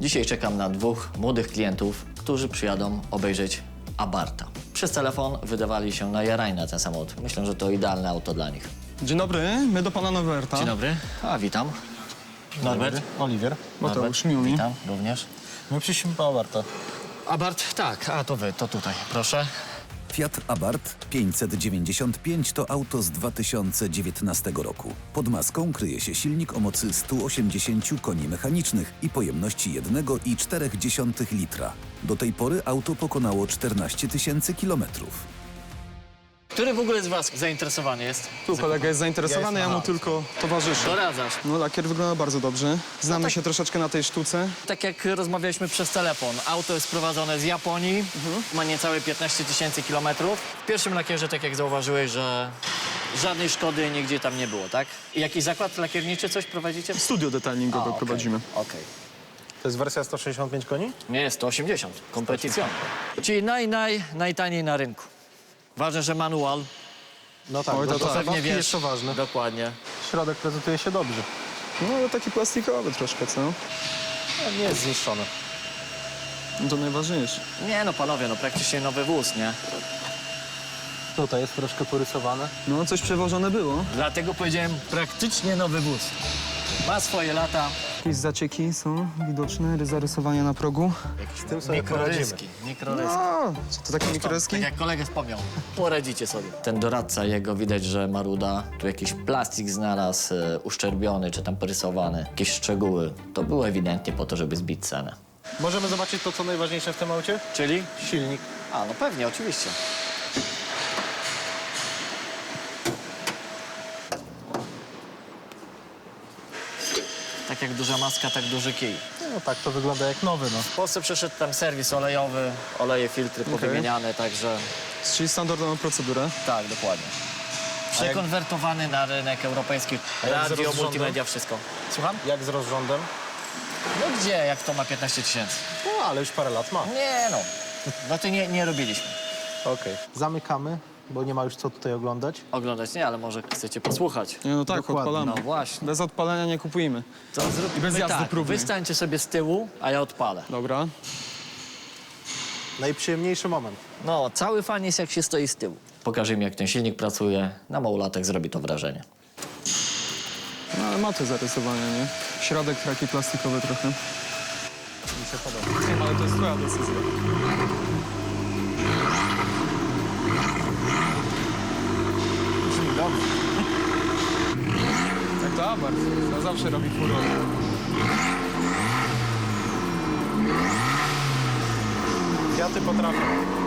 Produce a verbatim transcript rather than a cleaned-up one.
Dzisiaj czekam na dwóch młodych klientów, którzy przyjadą obejrzeć Abartha. Przez telefon wydawali się najarani na ten samochód. Myślę, że to idealne auto dla nich. Dzień dobry, my do pana Norberta. Dzień dobry. A, witam. Norbert. Oliwier. Mateusz, miło mi. Witam również. My przyszliśmy po Abartha. Abart, tak, a to wy, to tutaj, proszę. Fiat Abarth pięćset dziewięćdziesiąt pięć to auto z dwa tysiące dziewiętnastego roku. Pod maską kryje się silnik o mocy stu osiemdziesięciu koni mechanicznych i pojemności jeden i cztery dziesiąte litra. Do tej pory auto pokonało czternaście tysięcy kilometrów. Który w ogóle z was zainteresowany jest? Tu kolega jest zainteresowany, ja mu tylko towarzyszę. Doradzasz. No, lakier wygląda bardzo dobrze. Znamy tak. się troszeczkę na tej sztuce. Tak jak rozmawialiśmy przez telefon, auto jest sprowadzone z Japonii, ma niecałe piętnaście tysięcy kilometrów. W pierwszym lakierze, tak jak zauważyłeś, że żadnej szkody nigdzie tam nie było, tak? I jakiś zakład lakierniczy, coś prowadzicie? Studio detalingowe okej, prowadzimy. Okej. To jest wersja sto sześćdziesiąt pięć koni? Nie, jest sto osiemdziesiąt, kompetycjon. Czyli naj, naj, najtaniej na rynku. Ważne, że manual, No tak, Oj, bo to to tak. pewnie zabawki wiesz. jest to ważne. Dokładnie. Środek prezentuje się dobrze. No, ale taki plastikowy troszkę, co? No, nie jest zniszczony. No, to najważniejsze. Nie no, panowie, no praktycznie nowy wóz, nie? Tutaj jest troszkę porysowane. No, coś przewożone było. Dlatego powiedziałem praktycznie nowy wóz. Ma swoje lata. Jakieś zacieki są widoczne, zarysowania na progu. Z tym sobie poradzimy. Mikroryski, mikroryski. A, co to takie mikroryski? Tak jak kolega wspomniał, poradzicie sobie. Ten doradca jego, widać, że maruda, tu jakiś plastik znalazł, e, uszczerbiony czy tam porysowany, jakieś szczegóły. To było ewidentnie po to, żeby zbić cenę. Możemy zobaczyć to, co najważniejsze w tym aucie? Czyli? Silnik. A, no pewnie, oczywiście. Tak jak duża maska, tak duży kij. No tak, to wygląda jak nowy, no. W Polsce przeszedł tam serwis olejowy, oleje, filtry powymieniane, także Czyli standardową procedurę. tak, dokładnie. Przekonwertowany na rynek europejski. A jak z Radio, rozrządem? multimedia, wszystko. Słucham? Jak z rozrządem? No gdzie, jak to ma piętnaście tysięcy? No, ale już parę lat ma. Nie no, no to nie, nie robiliśmy. Okej. Zamykamy, bo nie ma już co tutaj oglądać. Oglądać nie, ale może chcecie posłuchać. Nie, no tak, Dokładnie. odpalamy. No właśnie. Bez odpalenia nie kupujemy. To zróbmy I bez jazdy tak, próbnej. wy stańcie sobie z tyłu, a ja odpalę. Dobra. Najprzyjemniejszy moment. No, cały fan jest jak się stoi z tyłu. Pokażę im, jak ten silnik pracuje. Na małolatek zrobi to wrażenie. No, ale ma to zarysowanie, nie? Środek taki plastikowy trochę. Mi się podoba. Nie, ale to jest twoja decyzja. Brzmi dobrze. Tak to Abarth. To zawsze robi furor. Fiaty potrafią.